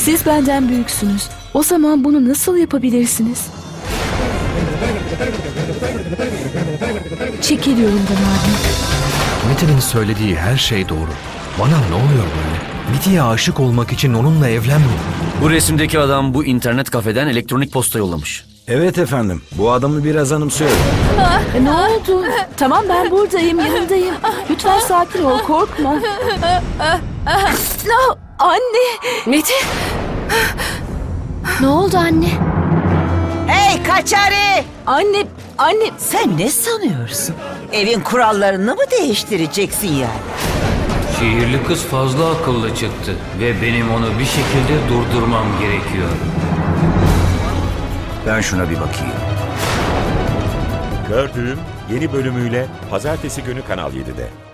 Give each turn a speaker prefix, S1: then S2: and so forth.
S1: Siz benden büyüksünüz. O zaman bunu nasıl yapabilirsiniz? Çekil yolumdan abi.
S2: Metin'in söylediği her şey doğru. Bana ne oluyor böyle? Niti'ye aşık olmak için onunla evlenmiyor.
S3: Bu resimdeki adam bu internet kafeden elektronik posta yollamış.
S4: Evet efendim. Bu adamı biraz anımsıyorum.
S1: Ne oldu? Tamam, ben buradayım, yanındayım. Lütfen sakin ol, korkma. No, anne.
S5: Metin! Ne oldu anne?
S6: Hey Kaçari!
S1: Anne.
S6: Sen ne sanıyorsun? Evin kurallarını mı değiştireceksin yani?
S7: Şehirli kız fazla akıllı çıktı ve benim onu bir şekilde durdurmam gerekiyor.
S3: Ben şuna bir bakayım.
S8: Gördüğüm yeni bölümüyle Pazartesi günü Kanal 7'de.